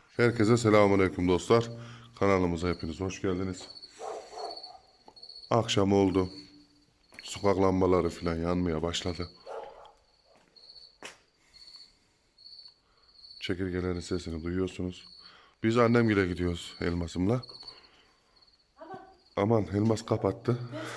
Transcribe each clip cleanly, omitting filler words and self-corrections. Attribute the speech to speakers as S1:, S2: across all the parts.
S1: Herkese selamünaleyküm dostlar. Kanalımıza hepiniz hoş geldiniz. Akşam oldu. Sokak lambaları falan yanmaya başladı. Çekirgelerin sesini duyuyorsunuz. Biz annemgile gidiyoruz Elmas'ımla. Aman Elmas kapattı.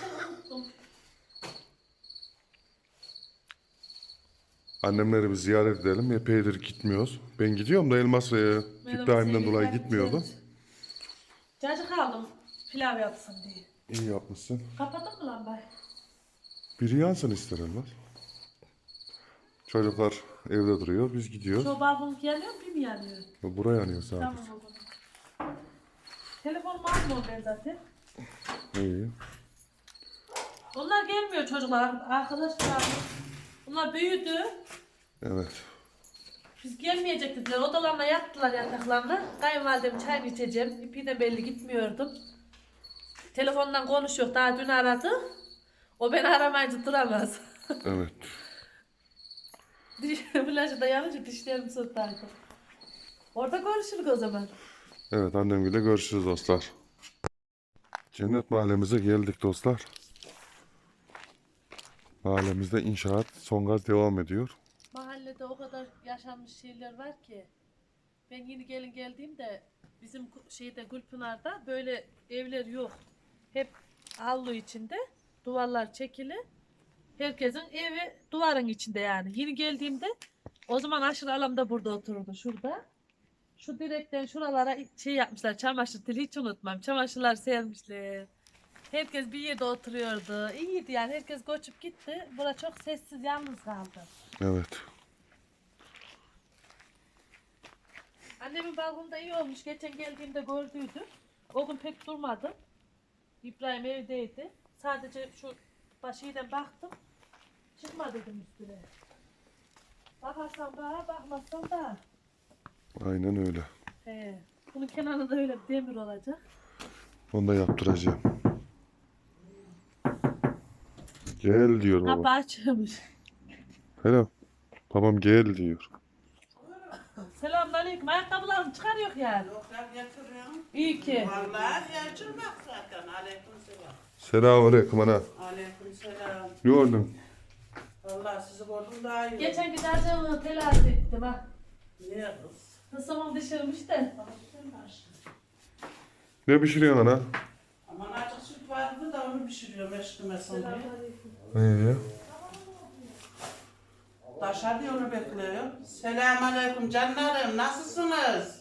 S1: Annemleri bir ziyaret edelim. Epeydir gitmiyoruz. Ben gidiyorum da Elmas İbrahim'den dolayı gitmiyordu.
S2: Cacık aldım pilav yapsın diye.
S1: İyi yapmışsın.
S2: Kapadın mı lambayı?
S1: Biri yansın ister Elmas. Çocuklar evde duruyor. Biz gidiyoruz.
S2: Şu balkon yanıyor mu, bir mi yanıyor?
S1: Buraya yanıyor sadece.
S2: Tamam o zaman. Telefonumu almıyorum ben zaten.
S1: İyi.
S2: Onlar gelmiyor çocuklar. Arkadaşlar bunlar büyüdü.
S1: Evet.
S2: Biz gelmeyecek dediler. Odalarına yattılar yataklarına. Kayınvalidem çay içeceğim. İpi de belli gitmiyordum. Telefondan konuşuyor. Daha dün aradı. O beni aramayınca duramaz.
S1: Evet.
S2: Flaşı da yanınca dişlerim sırtlardı. Orada konuşuruz o zaman.
S1: Evet annemle görüşürüz dostlar. Cennet mahallemize geldik dostlar. Mahallemizde inşaat son gaz devam ediyor.
S2: Mahallede o kadar yaşanmış şeyler var ki. Ben yeni geldiğimde bizim şeyde Gülpınar'da böyle evler yok. Hep avlu içinde, duvarlar çekili. Herkesin evi duvarın içinde yani. Yeni geldiğimde o zaman aşırı alam da burada otururdu şurada. Şu direkten şuralara şey yapmışlar, çamaşır teli, hiç unutmam. Çamaşırlar sermişler. Herkes bir yerde oturuyordu. İyiydi yani, herkes göçüp gitti. Bura çok sessiz, yalnız kaldı.
S1: Evet.
S2: Annemin balkonda iyi olmuş. Geçen geldiğimde gördüydüm. O gün pek durmadım. İbrahim evdeydi. Sadece şu başıyla baktım. Çıkma dedim üstüne. Bakarsan bana, bakmazsan da.
S1: Aynen öyle.
S2: He. Bunun kenarında öyle bir demir olacak.
S1: Onu da yaptıracağım. Gel diyor
S2: Kapı
S1: baba.
S2: açılmış.
S1: Hello. Babam gel diyor.
S2: Selamünaleyküm. Ayakkabılarımı çıkarıyor yani.
S3: Yok ya getiriyorum.
S2: İyi ki.
S3: Vallahi yavcılmak zaten. Aleykümselam.
S1: Selamünaleyküm ana.
S3: Aleykümselam.
S1: Ne oldu?
S3: Vallahi sizi gördüm daha iyi.
S2: Geçen giderken telaş ettim ha.
S3: Niye kız?
S2: Kısımım düşürmüş de.
S1: Ne pişiriyorsun ana?
S3: Aman açık süt vardı da onu pişiriyorum eşkimesin diye.
S1: İyi.
S3: Taşa diye onu bekliyor. Selamünaleyküm canlarım. Nasılsınız?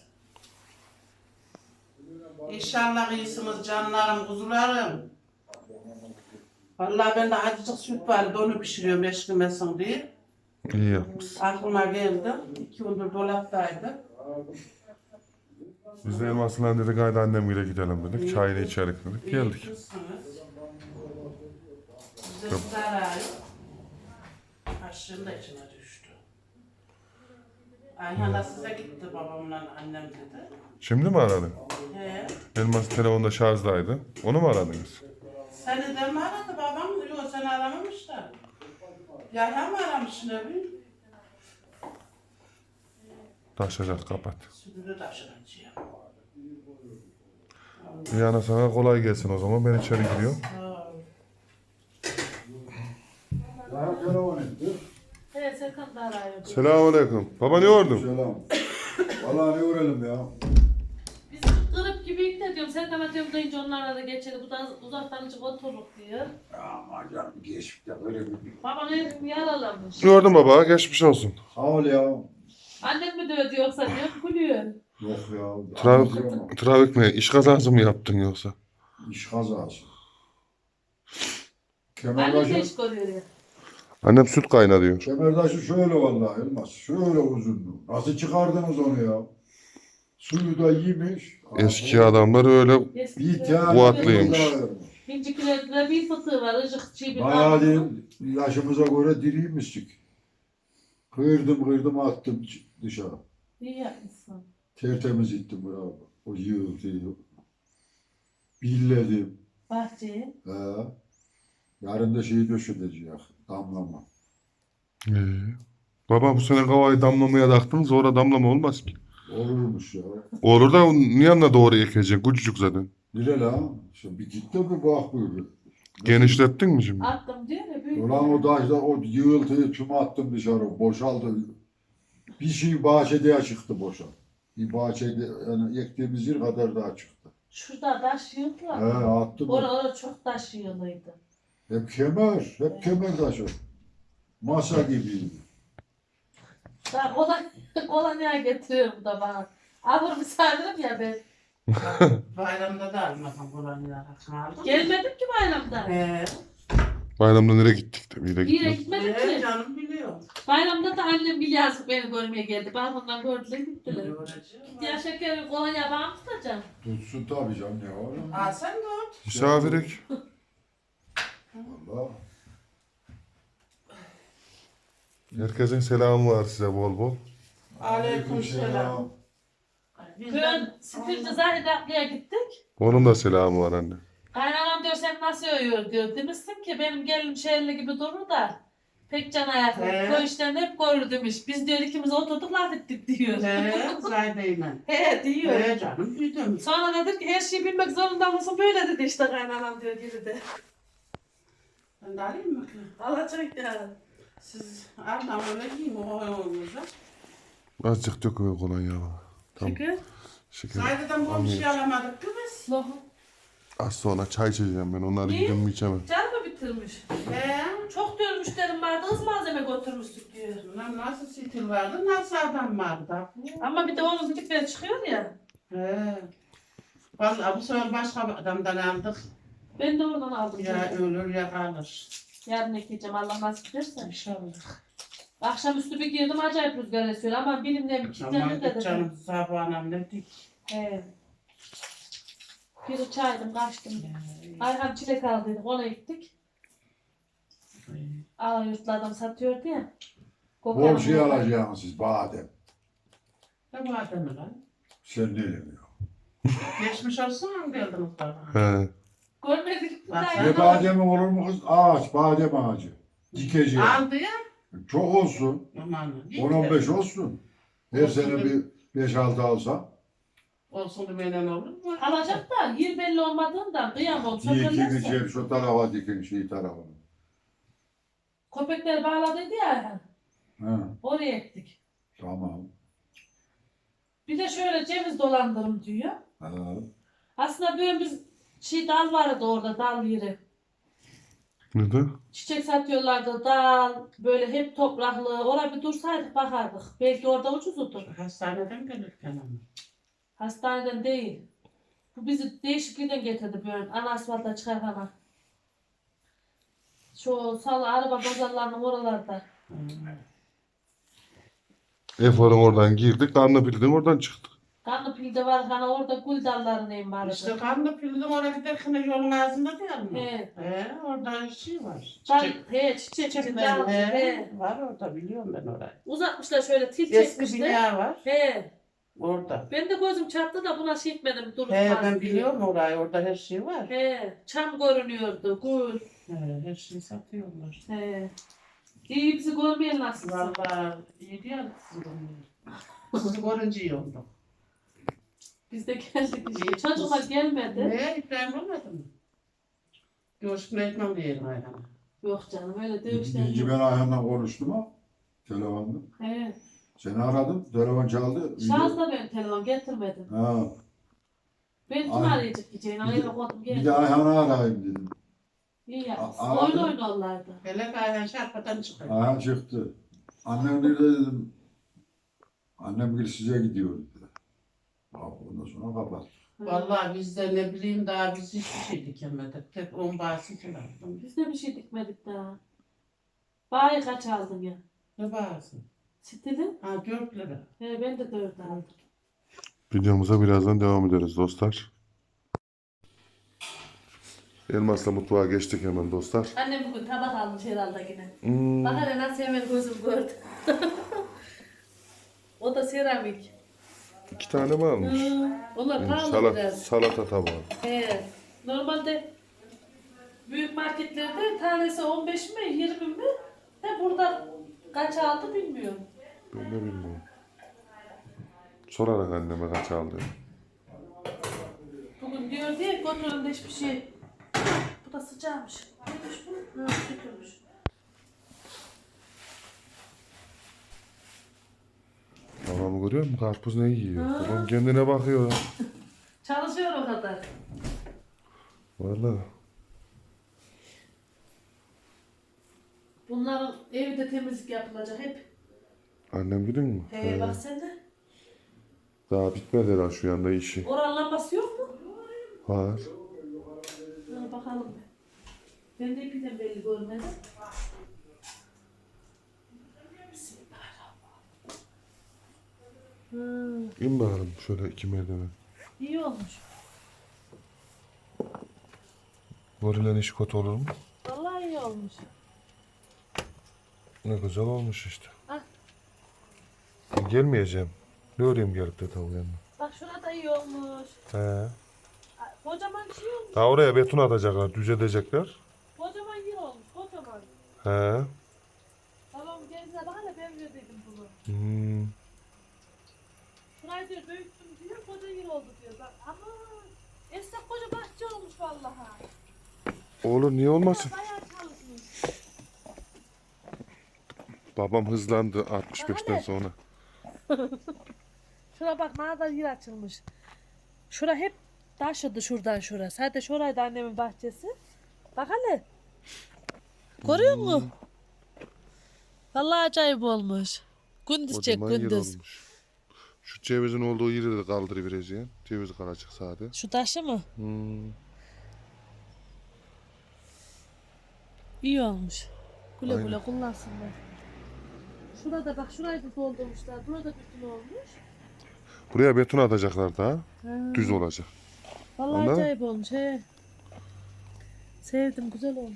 S3: İnşallah iyisiniz canlarım, kuzularım. Vallahi ben de acıcık süt vardı onu pişiriyorum eşkimesin diye.
S1: İyi yapmışsın.
S3: Aklıma geldi. 2 gündür dolaptaydı.
S1: Biz de Elmas'la dedik haydi annemle gidelim dedik. Çayını içerik dedik. Geldik.
S3: Bize sarayı. Aşığın da içine düştü. Ayhan da size gitti babamla annem dedi.
S1: Şimdi mi aradın?
S3: He.
S1: Elmas telefonda şarjdaydı. Onu mu aradınız?
S3: Seni de mi aradı babam? Yok seni aramamışlar. Yahya mı aramış ne bileyim?
S1: Taşacak kapat.
S3: Sütünü taşıracağım.
S1: Yani sana kolay gelsin o zaman. Ben içeri giriyorum.
S2: He, Serkan da arıyor.
S1: Selamünaleyküm. Baba ne ordun?
S4: Selam. Vallahi ne uğrayalım ya.
S2: Biz kırıp gibiyik de diyorum. Serkan'a diyorum dayınca onlarla da geçelim. Bu da uzaktan çık otururuk diyor.
S4: Aman canım geçmiş de böyle bir...
S2: Babam elim yaralamış.
S1: Gördüm baba. Geçmiş olsun.
S4: Sağ ol ya.
S2: Annem mi dövdü yoksa diyor, gülüyor.
S4: Yok ya.
S1: Trafik mi? İş kazası mı yaptın yoksa?
S4: İş kazası.
S2: Annem de
S4: Kemerdaşı,
S2: iş görüyor ya.
S1: Annem süt kayna diyor.
S4: kemerdaşı şöyle vallahi Elmas. Şöyle uzundu. Nasıl çıkardınız onu ya? Suyu da yemiş.
S1: Eski adamlar öyle
S4: Bir tane
S1: Kuvvetliymiş.
S2: İncikilerinde bir fıtığı var, ıcık çiğ bir
S4: Bayağı
S2: bağlı.
S4: değil, yaşımıza göre diriymiştik. Kırdım attım dışarı.
S2: İyi yapmışsın.
S4: Tertemiz ettim bravo. O yığıldı. Billedim.
S2: Bahçeye.
S4: He. Yarın da şeyi döşeteceğiz. Damlama.
S1: Baba bu sene kavayı damlamaya taktınız. Orada damlama olmaz ki.
S4: Olurmuş ya.
S1: Olur da onun yanına doğru ekeceksin. Küçücük zaten.
S4: Bile lan. Şimdi bir git de bir bak böyle.
S1: Genişlettin mi şimdi?
S2: Attım diyor ya büyük.
S4: Ulan o taşla o yığıltıyı tüm attım dışarı. Boşaldı. Bir şey bahçede çıktı boşa. Bir bahçede yani ektiğimiz yer kadar daha çıktı.
S2: Şurada taş yığdılar.
S4: He attım.
S2: Orada çok taş yığılıydı.
S4: Hep kemer. Hep kemer taşı. Masa gibiydi.
S2: Ben kolonya getiriyorum da bana. Abur misafirim ya ben.
S3: Bayramda da almadım buranı aldım.
S2: Gelmedim ki bayramda.
S1: Bayramda nereye gittik de bir de
S2: Bir yere
S1: gitmedik.
S2: gitmedim ki.
S3: Canım biliyor.
S2: Bayramda da annem bir yazık beni görmeye geldi. Balkondan gördüler gittiler.
S3: Biliyor.
S2: Ya şekerim kolonya bana mı tutacağım?
S4: Tutsun tabii canım ne var?
S3: Aa sen de ot.
S1: Misafirik.
S4: Valla.
S1: Herkesin selamı var size bol bol.
S3: Aleykümselam.
S2: Bugün Sifilci Zahide ablaya gittik.
S1: Onun da selamı var anne.
S2: Kaynanam diyor sen nasıl uyuyor diyor. Demişsin ki benim gelinim şehirli gibi durur da pek can ayaklı. Köy işlerini hep görür demiş. Biz diyor ikimiz oturduk laf ettik diyor.
S3: Zaydeyle.
S2: He diyor.
S3: Canım duydum.
S2: Sonra dedik ki her şeyi bilmek zorunda mısın? Böyle dedi işte kaynanam diyor geri de.
S3: Ben de alayım mı?
S2: Alacak ya.
S3: Siz Arnavut'a öyle giyin o oğlunuza.
S1: Azıcık döküyor kolonya. Tamam.
S2: Şeker.
S1: Şeker.
S3: Zayde'den bu bir şey alamadık ki biz.
S2: Lohum.
S1: Az sonra çay içeceğim ben. Onları
S2: Niye?
S1: yiyeceğim mi içemem.
S2: Can mı bitirmiş? Çok diyor müşterim vardı, hız malzeme götürmüştük diyor.
S3: Lan nasıl stil vardı, nasıl adam vardı?
S2: Ama bir de onun dedikleri çıkıyor ya.
S3: Vallahi bu sefer başka bir adamdan aldık.
S2: Ben de oradan aldım.
S3: Ya
S2: canım.
S3: ölür ya kalır.
S2: Yarın ekeceğim Allah nasip ederse.
S3: İnşallah.
S2: Akşamüstü bir girdim acayip rüzgar esiyor ama bilimle bir kilitlenir
S3: Aman
S2: dedim.
S3: canım sabah anam ne dik.
S2: He. Bir çaydım kaçtım. Ayhan çilek aldıydık ona gittik. Yurtlardan satıyordu ya.
S4: Bol şey alacaksınız siz badem.
S3: Ne bu adamı lan?
S4: Sen ne demiyorsun?
S3: Geçmiş olsun mu geldin muhtarına?
S1: He.
S2: Görmedik.
S3: Bak,
S4: Ne bademi olur mu kız? Ağaç, badem ağacı. Dikeceğim.
S3: Aldı ya.
S4: Çok olsun.
S3: Aman.
S4: 10-15 olsun. Her
S3: Olsun
S4: sene
S3: be.
S4: bir 5-6 alsam.
S3: Olsun demeden olur mu?
S2: Alacak da yer belli olmadığından kıyamam.
S4: Dikin
S2: Sökerlerse.
S4: içeri şu tarafa dikin şey tarafına.
S2: Köpekleri bağladıydı ya Ayhan.
S4: Ha,
S2: Oraya ektik.
S4: tamam.
S2: Bir de şöyle ceviz dolandırım diyor.
S4: Ha,
S2: Aslında böyle biz dal vardı orada dal yeri.
S1: Ne de?
S2: Çiçek satıyorlardı dal böyle hep topraklı. Oraya bir dursaydık bakardık. Belki orada ucuzdu.
S3: Hastaneden gelirken ama.
S2: Hastaneden değil. Bu bizi değişiklikten getirdi böyle ana asfalta çıkarken. Şu salı araba pazarlarının oralarda.
S1: Efor'un oradan girdik. Karnapil'den oradan çıktık.
S2: Kanlıpil'de var hani orada gül dallarının vardı.
S3: İşte kanlı pildim oraya giderken yolun ağzında değil mi?
S2: He.
S3: Orada şey var.
S2: Çiçek
S3: Çiçekler
S2: dal. He.
S3: var orada biliyorum ben orayı.
S2: Uzatmışlar şöyle til
S3: Eski
S2: çekmişler.
S3: bina var
S2: He.
S3: orada.
S2: Ben de gözüm çarptı da buna şey etmedim. Durup
S3: He
S2: kaldı
S3: ben
S2: diye.
S3: biliyorum orayı orada her şey var.
S2: He. Çam görünüyordu. Gül.
S3: Her şeyi satıyorlar.
S2: He. İyi bizi görmeyen nasılsın?
S3: Vallahi iyi değil sizi görünce iyi oldu.
S2: Biz de geldik işte. Çocuklar gelmedi.
S3: Ne İbrahim olmadı mı? Görüşme etmem diyelim ayağına.
S2: Yok canım öyle
S4: İyice
S2: dövüşler.
S4: ben Ayhan'la konuştum ha. Telefonda.
S2: He.
S4: Seni aradım. Telefon çaldı.
S2: Şarjda ben telefon getirmedim.
S4: Ha,
S2: Ben kim
S4: Ay.
S2: arayacak diyeceğin? Ayağına koydum
S4: bir
S2: geldim.
S4: de Ayhan'ı arayayım dedim.
S2: İyi yapmışsın.
S4: Aradım.
S2: Oyun oynarlardı.
S3: Hele ayağın şarpadan çıkıyor.
S4: Ayhan çıktı. Annem nerede dedim. Annem bir size gidiyor dedi. Ondan sonra kapat.
S3: Vallahi biz de ne bileyim daha biz hiçbir şey dikemedik. Tek 10 bahsi çıkardım.
S2: Biz de bir şey dikmedik daha. Bayi kaç aldın ya?
S3: Ne bahsi?
S2: Stili?
S3: Ha 4 lira.
S2: He ben de 4 aldım.
S1: Videomuza birazdan devam ederiz dostlar. Elmas'la mutfağa geçtik hemen dostlar.
S2: Annem bugün tabak almış herhalde yine.
S1: Hmm.
S2: Bak hele nasıl hemen gözüm gördü. O da seramik.
S1: 2 tane mi almış?
S2: Onlar pahalı biraz.
S1: Salata tabağı.
S2: He. Normalde büyük marketlerde tanesi 15 mi 20 mi? De burada kaç aldı bilmiyorum.
S1: Ben de bilmiyorum. sorarak anneme kaç aldı.
S2: Bugün diyor diye götürün de hiçbir şey. Bu da sıcakmış. Neymiş bu? Ha, sütürmüş.
S1: Babamı görüyor musun? Karpuz ne yiyor?
S2: Ha.
S1: Babam kendine bakıyor.
S2: Çalışıyor o kadar.
S1: Vallahi.
S2: Bunların evde temizlik yapılacak hep.
S1: Annem gidin mi?
S2: Bak sen de.
S1: Daha bitmedi herhalde şu yanda işi.
S2: Oranın lambası yok mu?
S1: Var.
S2: Ha, bakalım. Ben de ipiden belli görmedim. Bismillahirrahmanirrahim.
S1: İn bakalım şöyle 2 merdiven.
S2: İyi olmuş.
S1: Gorilen iş kötü olur mu?
S2: Vallahi iyi olmuş.
S1: Ne güzel olmuş işte.
S2: Ah.
S1: Ben gelmeyeceğim. Ne öreyim gelip de tavuğun yanına?
S2: Bak şurada iyi olmuş.
S1: He.
S2: Ay, kocaman şey olmuş.
S1: Daha oraya beton atacaklar, düzedecekler.
S2: Kocaman yer olmuş. Kocaman.
S1: He.
S2: Babam gezine bak hele ben verdiydim bunu.
S1: Hmm.
S2: Şurayı diyor büyüttüm diyor. Koca yer oldu diyor. Bak ama esnaf koca bahçe olmuş vallahi.
S1: Olur niye olmasın?
S2: Bayağı çalışmış.
S1: Babam hızlandı 65'ten sonra.
S2: Şura bak ne kadar yer açılmış. Şura hep taşıdı şuradan şura. Sadece şuraydı annemin bahçesi. Bak hele. Görüyor musun? Vallahi acayip olmuş. Gündüz çek
S1: Kocaman yer
S2: gündüz.
S1: olmuş. Şu cevizin olduğu yeri de kaldırıvereceğim. Ceviz kalacak sade.
S2: Şu taşı mı?
S1: Hmm.
S2: İyi olmuş. Güle
S1: Aynen.
S2: güle kullansınlar. Şurada bak şurayı da doldurmuşlar. Burada bütün olmuş.
S1: Buraya beton atacaklar daha.
S2: Ha.
S1: Düz olacak.
S2: Vallahi
S1: Anladın?
S2: acayip olmuş he. Sevdim güzel olmuş.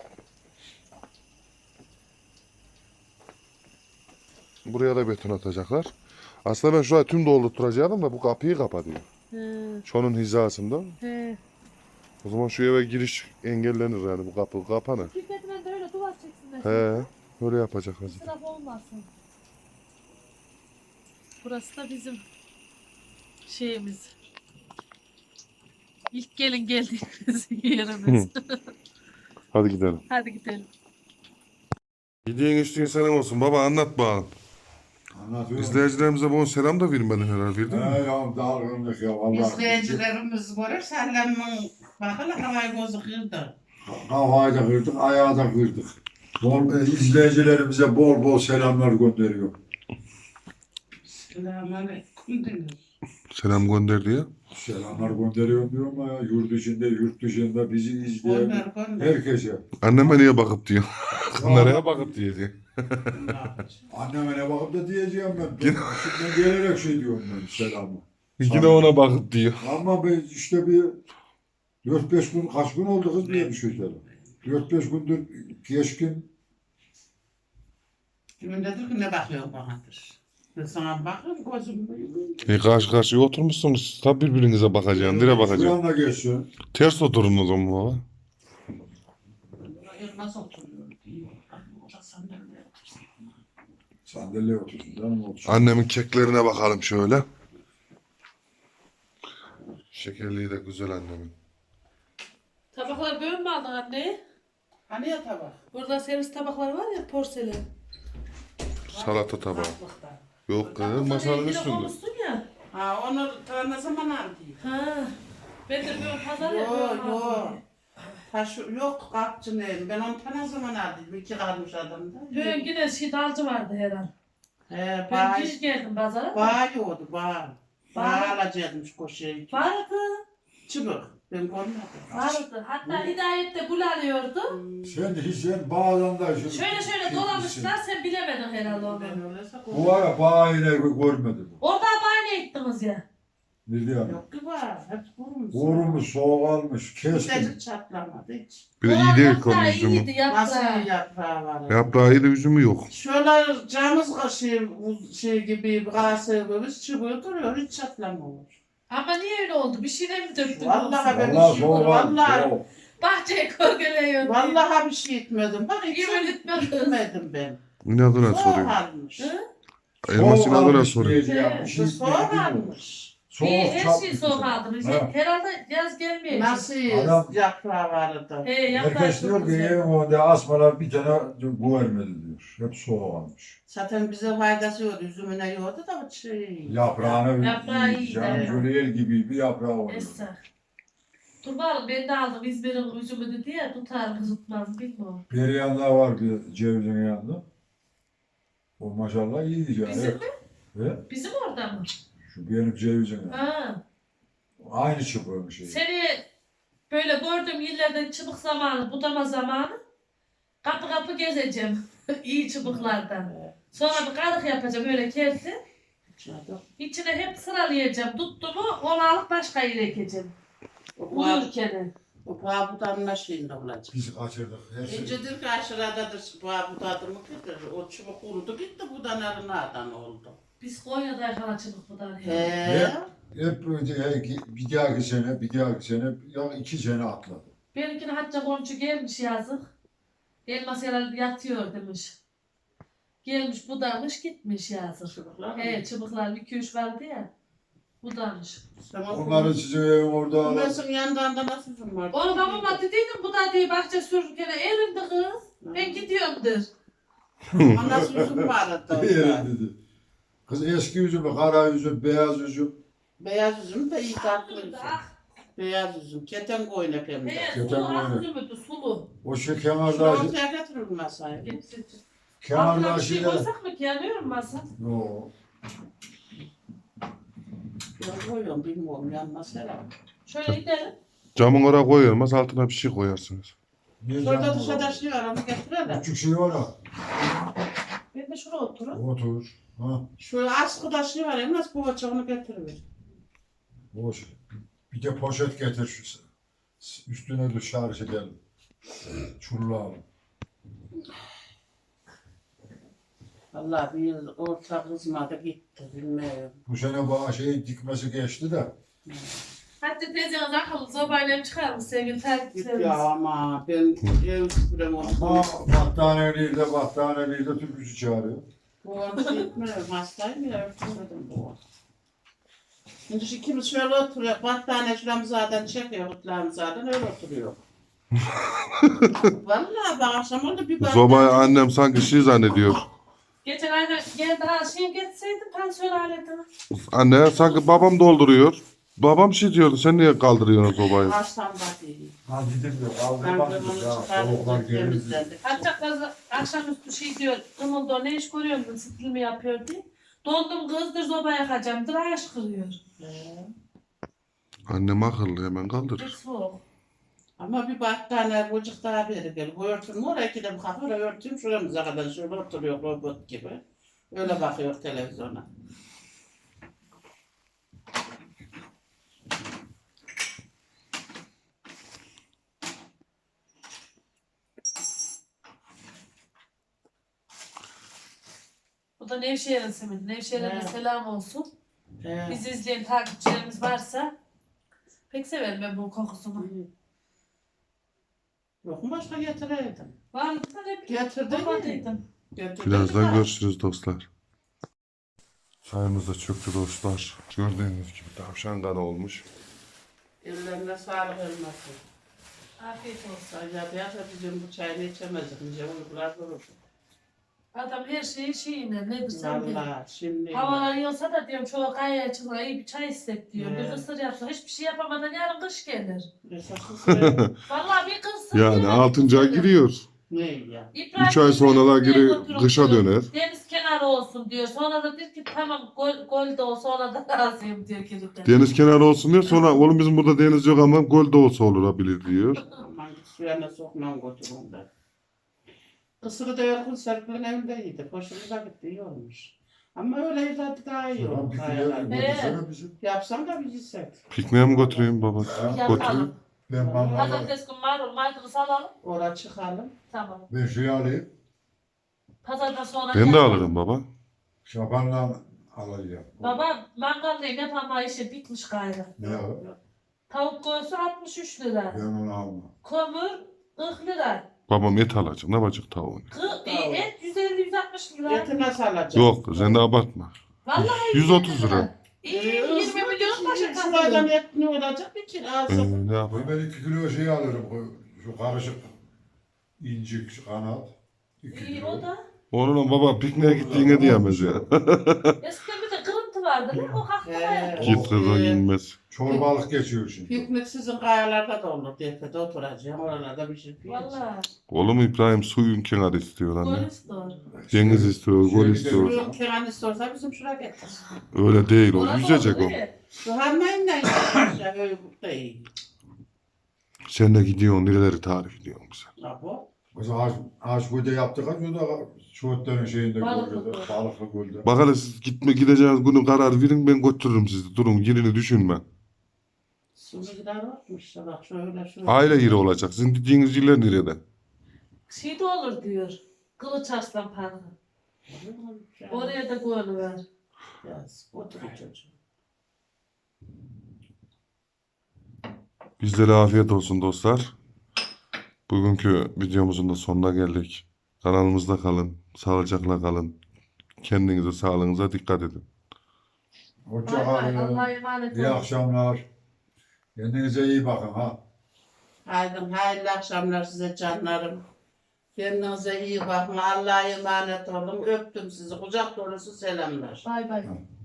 S1: Buraya da beton atacaklar. Aslında ben şurayı tüm doldurturacaktım da bu kapıyı kapatıyor.
S2: He.
S1: Şunun hizasında.
S2: He.
S1: O zaman şu eve giriş engellenir yani bu kapı kapanır.
S2: Şirketinden de öyle duvar çeksinler.
S1: He, öyle yapacaklar zaten.
S2: İsraf olmasın. Burası da bizim şeyimiz. İlk gelin geldiğimiz yerimiz.
S1: Hadi gidelim.
S2: Hadi gidelim.
S1: Yediğin içtiğin selam olsun. Baba anlat bakalım.
S4: Anlatıyorum.
S1: İzleyicilerimize bunu selam da vermedin herhalde. Verdin mi?
S4: He ya dalgınlık ya vallahi.
S3: İzleyicilerimiz görür Sellem'in bakın havayı gözü kırdı.
S4: Kafayı da kırdık, ayağı da kırdık. İzleyicilerimize bol bol selamlar gönderiyor.
S3: Selamünaleyküm denir.
S1: Selam gönder diye.
S4: Selamlar gönderiyorum diyorum ya. Yurt içinde, yurt dışında bizi izleyen
S3: Gönder gönder.
S4: herkese.
S1: Anneme niye bakıp diyor. Nereye bakıp diye diyor.
S4: Anneme ne bakıp da diyeceğim ben. Şimdiden gelerek şey diyorum ben selamı.
S1: Yine ona bakıp diyor.
S4: Ama ben işte bir 4-5 gün, kaç gün oldu kız diye bir şey dedim. 4-5 gündür geçkin.
S3: Kimin dedir ki ne bakıyor banadır. Ben sana bakıyorum gözüm büyüyor.
S1: Karşı karşıya oturmuşsunuz. Tabi birbirinize bakacaksın. Dire bakacaksın.
S4: Şuranla geçsin.
S1: Ters oturun o zaman baba.
S3: Nasıl oturuyor? Orada sandalye otursun.
S4: Sandalye otursun canım otursun.
S1: Annemin keklerine bakalım şöyle. Şekerliği de güzel annemin.
S2: Tabaklar böyle mi aldın anne?
S3: Hani ya tabak?
S2: Burada servis tabakları var ya porselen.
S1: Salata tabağı.
S3: Tatlıkta.
S1: Yok kız masanın üstünde.
S2: Koymuşsun ya.
S3: Ha onu ta ne zaman aldın?
S2: Ha. Ben de böyle pazar
S3: Yo
S2: yapıyorum.
S3: yo. Taş yok kapçı neyim. Ben onu ta ne zaman aldım? 2 kalmış adamda.
S2: Bugün yine şey dalcı vardı her an.
S3: He
S2: Ben
S3: bağ.
S2: hiç geldim pazara.
S3: Bağ yoğdu bağ.
S2: Bağ.
S3: Bağ alacakmış koşuya.
S2: Vardı.
S3: Çıbık. Ben görmedim.
S2: Vardı. Hatta Hidayet de gul alıyordu.
S4: Sen bağdan da şu.
S2: Şöyle dolamışlar sen bilemedin herhalde onu.
S3: Ben öyleyse
S4: Bu var ya bağı yine görmedim.
S2: Orada bahane ettiniz ya.
S4: Nerede yani?
S3: yok ki var. Hep kurumuş.
S4: Vurmuş, soğuk almış, kestim.
S3: Hiç çatlamadı hiç.
S1: Bir de iyi
S2: Ulan
S1: değil
S2: yaprağı
S1: konu üzümü.
S2: iyiydi yaprağı.
S3: Nasıl yaprağı var?
S1: Yaprağı iyi de üzümü yok.
S3: Şöyle camız şey gibi, kase gibi çubuğu duruyor, hiç çatlamamış.
S2: Ama niye öyle oldu? Bir şeyle mi döktün?
S3: Vallahi ben
S4: Vallahi
S3: bir şey
S4: soğuk almış,
S3: vallahi,
S4: soğuk.
S2: Bahçeye korgeleyiyordu.
S3: vallahi bir şey etmedim. Bak hiç
S2: Yemin etmedin.
S3: etmedim ben.
S1: İnadına
S3: Soğuk
S1: soruyor.
S3: almış.
S2: Hı?
S1: Elmas inadına
S4: almış
S1: soruyor.
S4: diyeceğim. Bir şey
S3: Soğuk
S4: bilmiyorum.
S3: almış.
S4: Soğuk
S2: Bir her
S4: çarpmış
S2: şeyi
S4: bize.
S2: soğuk aldım.
S4: Ha.
S2: Herhalde yaz gelmeyecek.
S3: Nasıl
S4: Adam-
S3: yaprağı vardı?
S2: Yaprağı
S4: Herkes
S2: çok
S4: diyor ki
S2: güzel.
S4: evin önünde asmalar bir tane bu vermedi diyor. Hep soğuk almış.
S3: Zaten bize faydası yok. Üzümüne yiyordu da bu şey.
S4: Yaprağını
S2: Yaprağı iyi,
S4: yiyeceğim.
S2: evet.
S4: Böyle el gibi bir yaprağı oluyor.
S2: Esra. Dur bakalım ben de aldım İzmir'in üzümü dedi ya tutar mı tutmaz bilmiyorum.
S4: Bir yanında var bir cevizin yanında. O maşallah iyi diyeceğim.
S2: Bizim mi?
S4: Ve
S2: Bizim orada mı?
S4: şu benim cevizin yanında.
S2: Ha.
S4: Aynı çıpığın şeyi.
S2: Seni böyle gördüğüm yerlerden çıbık zamanı, budama zamanı kapı kapı gezeceğim. İyi çıbıklardan. Sonra bir kalık yapacağım öyle kerti. İçine hep sıralayacağım. Tuttu mu onu alıp başka yere ekeceğim. Uyurken.
S3: O pahabudanın şeyinde olacak.
S4: Biz kaçırdık. Her şey.
S3: İncedir ki aşıradadır pahabudadır mı gider. O çubuk kurudu gitti budanların nereden oldu.
S2: Biz Konya'da yakala çıbık budanı.
S3: He.
S4: Hep böyle bir dahaki sene ya 2 sene atladı.
S2: Benimkine Hacca komşu gelmiş yazık. Elmas herhalde yatıyor demiş. Gelmiş budamış gitmiş yazık.
S3: Çubuklar mı?
S2: He çıbıklar 2-3 vardı ya. Budamış.
S4: Onları sizin evin orada alır.
S3: Kumasın yanından da nasıl üzüm var?
S2: Onu babama dediydim bu da diye bahçe sürürken erindi kız. Ben gidiyorumdur.
S3: Ama nasıl üzüm vardı
S4: Yerim
S3: orada?
S4: dedi. Kız eski üzüm, kara üzüm, beyaz üzüm.
S3: Beyaz üzüm de iyi tatlı üzüm. Beyaz üzüm. Keten koyun hem de.
S2: He
S4: Köten
S2: sulu
S4: böyle.
S2: az üzümüydü sulu.
S4: O şu
S3: Şunu
S4: kenarda,
S3: ortaya getirir masaya.
S4: kenarda
S2: Altına bir şey
S4: şeyler.
S2: koysak mı ki yanıyor mu masa?
S4: Yo.
S3: Ben koyuyorum bilmiyorum yanmaz herhalde.
S2: Şöyle gidelim.
S1: Camın oraya koyulmaz, altına bir şey koyarsınız.
S4: Niye
S3: Şurada
S4: canım
S3: dışarıda
S4: var?
S3: şey var onu getirelim.
S4: Küçük şey var ha.
S2: Ben de şuraya oturun.
S4: Otur. Ha.
S3: Şu askıda şey var ya nasıl poğaça onu getiriver.
S4: Boş. Bir de poşet getir şu. Üstüne şarj edelim. Çullayalım.
S3: Vallahi bir yıl orta kızmadı gitti bilmiyorum.
S4: Bu sene bana şey dikmesi geçti de.
S2: Hatta teyzeniz akıllı zobayla çıkar mı sevgili
S3: Git
S2: takipçilerimiz?
S3: ya ama ben ev süpürem
S4: Ama
S3: olsun.
S4: battaniyeliği de türküsü çağırıyor.
S3: Bu onu şey etmiyorum hastayım ya örtümedim bu. Şimdi şu ikimiz şöyle oturuyor. Battaniye şuramı zaten çekiyor. Kutlarımı zaten öyle oturuyor. Vallahi bak akşam oldu bir
S1: Zobayı annem sanki şey zannediyor.
S2: Geçen ay geldi ha şey geçseydim pansiyon aletini.
S1: Anne sanki babam dolduruyor. Babam şey diyordu, sen niye kaldırıyorsun sobayı?
S3: Ağaçtan bakayım.
S4: Ha dedim de
S3: Ben
S4: aldım
S3: de
S4: baktık
S3: onu
S4: ya. Soğuklar
S3: çıkartıp
S4: gelir.
S3: temizledik.
S2: Hatta kız akşamüstü şey diyor, kımıldı ne iş görüyorsun, stil mi yapıyor diye. Dondum kızdır zoba yakacağımdır, ağaç kırıyor.
S1: Annem akıllı, hemen
S2: Hiç
S1: kaldırır.
S2: soğuk.
S3: Ama bir battaniye bucuk daha beri gel. Bu örtüm oraya iki de bu kapı oraya örtüm şuramıza kadar şöyle oturuyor robot gibi. Öyle bakıyor televizyona.
S2: Bu da Nevşehir'in simidi. Nevşehir'e de
S3: Evet.
S2: selam olsun.
S3: He.
S2: Bizi izleyen takipçilerimiz varsa pek severim ben bu kokusunu.
S3: Yok mu başka getireydim?
S2: Vardı da ne bileyim.
S3: Getirdim.
S2: Babadıydım.
S1: Birazdan görüşürüz dostlar. Çayımız da çöktü dostlar. Gördüğünüz gibi tavşan kanı olmuş.
S3: Ellerine sağlık olmasın.
S2: Afiyet olsun.
S3: Sadece yasa bizim bu çayını içemezdik. Nice uykular durur.
S2: Adam her şeyi şeyine nedir sen de.
S3: Valla şimdi.
S2: Havalar yiyorsa da diyorum çoğu kayaya çıkıyor iyi bir çay istek diyor. Bir
S3: Evet.
S2: kısır yapsa hiçbir şey yapamadan yarın kış gelir.
S3: Esasız
S2: Vallahi bir kısır.
S1: Yani
S2: yemek
S1: 6. ay
S2: gelir.
S1: giriyor.
S3: ne ya?
S2: İbrahim
S1: 3 ay sonra da
S2: Bey'in
S1: geri
S2: götürüp
S1: kışa
S2: diyor,
S1: döner.
S2: Deniz kenarı olsun diyor. Sonra da diyor ki tamam gol de olsa ona da razıyım diyor kilitten.
S1: Deniz kenarı olsun diyor. Sonra oğlum bizim burada deniz yok ama göl de olsa olabilir diyor.
S3: Aman git suya ne sokmam götürün de. Kısırı da Yorgun Serpil'in evindeydi. Hoşumuza gitti iyi olmuş. Ama öyle tadı daha iyi
S4: Tamam
S3: oldu.
S4: bir
S3: Kayalar.
S4: kere götürsene bizim.
S3: Yapsam da bir yesek.
S1: Pikniğe mi götüreyim baba? Götüreyim.
S2: Yapalım.
S4: Ben mangalı.
S2: Pazartesi günü marul maydanoz alalım.
S3: Oraya çıkalım.
S2: Tamam.
S4: Ben şey alayım.
S2: Pazardan sonra
S1: Ben de
S2: yapalım.
S1: alırım baba.
S4: Şabanla alacağım.
S2: Baba mangaldayım yapama işi bitmiş gayrı.
S4: Ne o?
S2: Tavuk göğsü 63 lira.
S4: Ben onu almam.
S2: Kömür 40 lira.
S1: Babam et alacak. Ne yapacak tavuğunu?
S2: Et 150-160 lira.
S3: Eti nasıl alacak?
S1: Yok sen de abartma.
S2: Vallahi
S1: 130 lira.
S2: İyi 20 milyon başa
S3: Şuradan
S2: kazanıyor.
S3: et ne olacak? Bir kilo alsın.
S1: Ne yapayım?
S4: Ben 2 kilo şey alırım. Şu karışık incik kanat. 2
S2: İyi
S4: kilo.
S2: o da.
S1: Onunla baba pikniğe gittiğine diyemez ya.
S2: Eskiden bir de kırıntı vardı. Ne? O hakkında.
S1: Git kızı inmez.
S4: Çorbalık geçiyor şimdi.
S3: Piknik sizin kayalarda da olur. Defede oturacağım. Oralarda bir şey yiyeceğim.
S2: Vallahi.
S1: Oğlum İbrahim suyun kenarı istiyor anne.
S2: Kolesterol.
S1: Deniz istiyor, gol istiyor.
S3: Suyun kenan istiyorsa bizim şuraya getir.
S1: Öyle değil o.
S2: Orada
S1: Yüzecek
S2: oldu,
S1: o.
S2: değil mi?
S3: Şu harmayınla işte böyle burada iyi.
S1: Sen de gidiyorsun nereleri tarif ediyorsun bize.
S3: Abo.
S4: Mesela ağaç gölde yaptık. Şurada Şuhutların şeyinde
S2: Balıklı
S4: gölde.
S2: göl.
S4: Balıklı gölde.
S1: Bak hele siz gideceğiniz günü karar verin ben götürürüm sizi. Durun yerini düşünme.
S3: Su gider varmış işte bak şöyle.
S1: Aile yeri olacak. Sizin gittiğiniz yerler nerede?
S2: Şey de olur diyor. Kılıç Arslan Parkı. Oraya da gönlü ver.
S3: Yaz. Oturun çocuğum.
S1: Bizlere afiyet olsun dostlar. Bugünkü videomuzun da sonuna geldik. Kanalımızda kalın. Sağlıcakla kalın. Kendinize, sağlığınıza dikkat edin.
S4: Hoşça
S2: Bay bay.
S4: kalın.
S2: Allah'a emanet
S4: İyi
S2: olun.
S4: akşamlar. Kendinize iyi bakın ha.
S3: Hayırlı akşamlar size canlarım. Kendinize iyi bakın. Allah'a emanet olun. Öptüm sizi. Kucak dolusu selamlar.
S2: Bay bay.